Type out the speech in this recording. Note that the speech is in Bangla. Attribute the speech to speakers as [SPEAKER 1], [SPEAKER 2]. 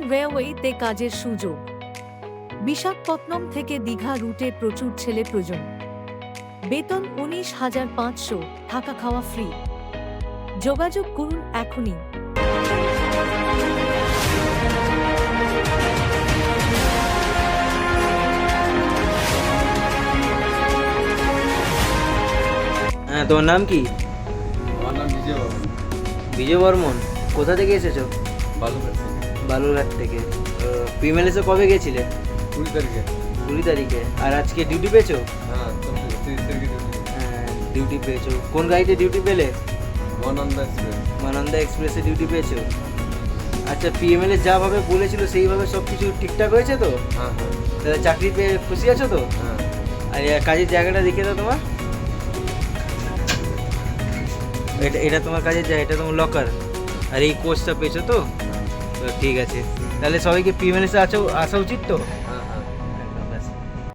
[SPEAKER 1] রেলওয়েতে কাজের সুযোগ। বিশাখাপত্তনম থেকে দীঘা রুটে প্রচুর ছেলে প্রয়োজন। বেতন 19,500, থাকা খাওয়া ফ্রি। যোগাযোগ করুন এখনই।
[SPEAKER 2] হ্যাঁ, তোমার নাম কি?
[SPEAKER 3] আমার নাম বিজয় বর্মন।
[SPEAKER 2] বিজয় বর্মন। কোথা থেকে এসেছো?
[SPEAKER 3] বালুঘাট থেকে।
[SPEAKER 2] বালুরঘাট থেকে। প্রিমিয়ার কবে গেছিলে?
[SPEAKER 3] 20 তারিখে।
[SPEAKER 2] 20 তারিখে। আর আজকে ডিউটি পেয়েছো?
[SPEAKER 3] হ্যাঁ, 30 তারিখে ডিউটি।
[SPEAKER 2] হ্যাঁ, ডিউটি পেয়েছো। কোন গাড়িতে ডিউটি পেলে?
[SPEAKER 3] মহানন্দা এক্সপ্রেস।
[SPEAKER 2] মানন্দা এক্সপ্রেসে ডিউটি পেয়েছো। আচ্ছা, পিএমএলএ যাভাবে বলেছিল সেইভাবে সব কিছু ঠিকঠাক হয়েছে তো?
[SPEAKER 3] হ্যাঁ হ্যাঁ
[SPEAKER 2] তাহলে চাকরি পেয়ে খুশি আছো তো?
[SPEAKER 3] হ্যাঁ।
[SPEAKER 2] আর কাজের জায়গাটা দেখিয়ে দাও তোমার। এটা তোমার কাজের জায়গা, এটা তোমার লকার। আর এই কোর্সটা পেয়েছো তো? তো ঠিক আছে। তাহলে সবাইকে পিএমএলএসে আসা উচিত তো?